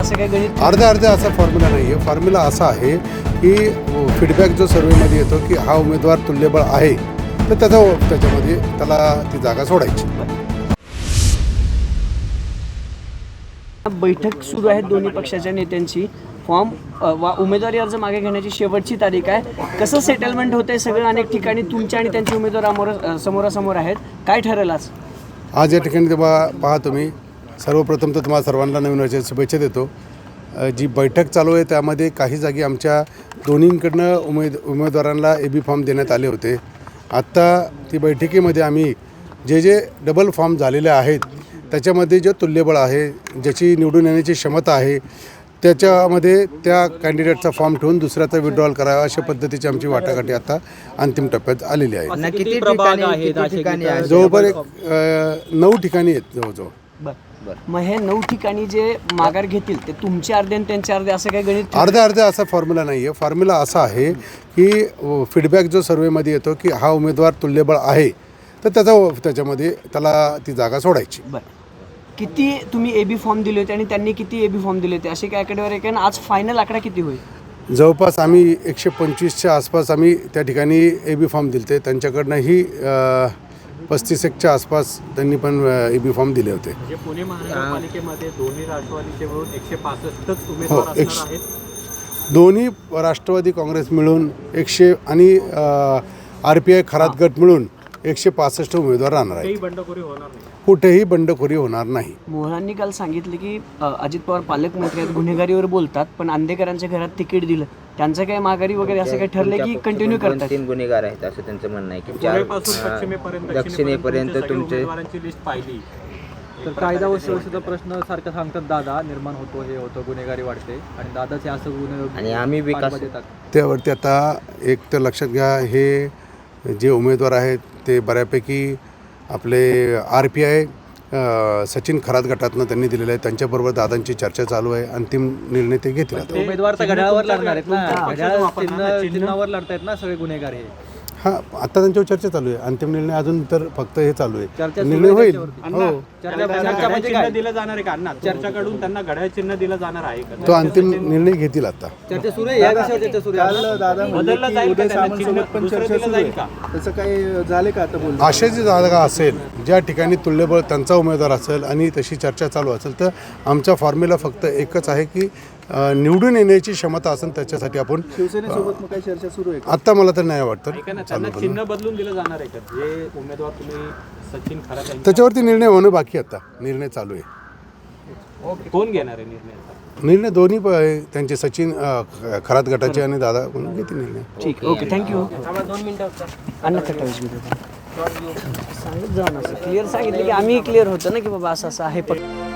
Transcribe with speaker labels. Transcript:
Speaker 1: असं काही गणित
Speaker 2: अर्धा असा फॉर्म्युला नाही आहे. फॉर्म्युला असा आहे की फीडबॅक जो सर्वेमध्ये येतो की हा उमेदवार तुल्यबळ आहे तर त्याच्यामध्ये त्याला ती जागा सोडायची.
Speaker 1: बैठक सुरू आहे दोन्ही पक्षाच्या नेत्यांची. फॉर्म वा उमेदवारी अर्ज मागे घेण्याची शेवटची तारीख आहे. कसं सेटलमेंट होतंय सगळं अनेक ठिकाणी तुमच्या आणि त्यांचे उमेदवार समोरासमोर आहेत. काय ठरेल आज
Speaker 2: या ठिकाणी तेव्हा पहा तुम्ही, सर्वप्रथम तर तुम्हाला सर्वांना नवीन वर्षाच्या शुभेच्छा देतो. जी बैठक चालू आहे त्यामध्ये काही जागी आमच्या दोन्हीकडनं उमेदवारांना AB फॉर्म देण्यात आले होते. आत्ता ती बैठकीमध्ये आम्ही जे डबल फॉर्म झालेले आहेत त्याच्यामध्ये जे तुल्यबळ आहे, ज्याची निवडून येण्याची क्षमता आहे, त्याच्यामध्ये त्या कॅन्डिडेटचा फॉर्म ठेवून दुसऱ्याचा विड्रॉल करावा अशा पद्धतीची आमची वाटाघाटी आता अंतिम टप्प्यात आलेली आहे.
Speaker 3: किती प्रभाग आहेत?
Speaker 2: जवळपास 9 ठिकाणी आहेत जवळजवळ.
Speaker 1: मग हे 9 ठिकाणी जे माघार घेतील ते तुमचे अर्धे आणि त्यांचे अर्धे असं काही गणित
Speaker 2: अर्धा असा फॉर्म्युला नाही आहे. फॉर्म्युला असा आहे की फीडबॅक जो सर्वेमध्ये येतो की हा उमेदवार तुल्यबळ आहे तर त्याच्यामध्ये त्याला ती जागा सोडायची.
Speaker 1: बरं, किती तुम्ही AB फॉर्म दिले होते आणि त्यांनी किती AB फॉर्म दिले होते असे काय आकडेवारी आहे? आज फायनल आकडा किती होईल?
Speaker 2: जवळपास आम्ही 125च्या आसपास आम्ही त्या ठिकाणी AB फॉर्म दिले होते. त्यांच्याकडनंही 35च्या आसपास त्यांनी पण AB फॉर्म दिले होते.
Speaker 4: म्हणजे पुणे महानगरपालिकेमध्ये दोन्ही राष्ट्रवादीचे मिळून 165च उमेदवार असणार आहेत.
Speaker 2: दोन्ही राष्ट्रवादी काँग्रेस मिळून 100 आणि RPI खरात गट मिळून 165 उमेदवार राहणार आहेत.
Speaker 4: बंडखोरी होणार नाही.
Speaker 2: कुठेही बंडखोरी होणार नाही.
Speaker 1: मोहरांनी काल सांगितलं की अजित पवार पालकमंत्री आहेत, गुन्हेगारीवर बोलतात, पण अंधेकरांच्या घरात तिकीट दिलं, त्यांचं काही माघारी वगैरे असं काही ठरलं की कंटिन्यू करतात?
Speaker 3: 3 गुन्हेगार आहेत असं त्यांचं म्हणणं आहे की
Speaker 4: पूर्वेपासून पश्चिमेपर्यंत
Speaker 3: दक्षिणेपर्यंत तुमचे
Speaker 4: उमेदवारांची लिस्ट पाहिली
Speaker 5: तर कायदा व सुव्यवस्थेचा प्रश्न सारखं सांगतात दादा निर्माण होतो, हे होतं, गुन्हेगारी वाढते आणि दादाचे असं गुन्हे
Speaker 3: आणि आम्ही विकास
Speaker 2: त्यावरती आता एक तर लक्षात घ्या, हे जे उमेदवार आहेत ते बऱ्यापैकी आपले RPI सचिन खरात गटातनं त्यांनी दिलेलं आहे. त्यांच्याबरोबर दादांची चर्चा चालू आहे. अंतिम निर्णय ते घेतील. आता
Speaker 5: उमेदवार तर घड्याळावर लढणार आहेत ना, चिन्हावर लढतायत ना सगळे गुन्हेगार हे.
Speaker 2: हां, आता त्यांच्यावर चर्चा चालू आहे. अंतिम निर्णय अजून तर फक्त हे चालू आहे, निर्णय होईल. हो,
Speaker 4: चिन्ह दिलं जाणार आहे का अण्णा? चर्चाकडून त्यांना घड्याळ चिन्ह दिलं जाणार आहे का?
Speaker 2: तो अंतिम निर्णय घेतील. आता
Speaker 5: चर्चा सुरू आहे, या विषयावर चर्चा सुरू आहे.
Speaker 4: बदललं जाईल का त्यांना चिन्ह? दुसरं दिलं जाईल का?
Speaker 5: तसं काही झाले का आता बोल?
Speaker 2: अशाची जागा असेल ज्या ठिकाणी तुल्यबळ त्यांचा उमेदवार असेल आणि तशी चर्चा चालू असेल तर आमचा फॉर्म्युला फक्त एकच आहे की निवडून येण्याची क्षमता असेल त्याच्यासाठी आपण
Speaker 5: शिवसेनेसोबत मग काही चर्चा सुरू आहे?
Speaker 2: आता मला तर नाही वाटतं.
Speaker 4: त्यांना चिन्ह बदलून दिलं जाणार आहे का? जे उमेदवार तुम्ही सचिन खरात
Speaker 2: त्याच्यावरती निर्णय होणं बाकी. आता निर्णय चालू आहे.
Speaker 4: कोण घेणार आहे निर्णय?
Speaker 2: निर्णय दोन्ही त्यांचे सचिन खरात गटाचे आणि दादा म्हणून घेतील निर्णय.
Speaker 1: ठीक आहे, ओके, थँक्यू. 2 मिनिटं अण्णा कटावीस सांगत जाऊ ना, असं क्लिअर सांगितलं की आम्ही क्लिअर होतं ना की बाबा असं आहे.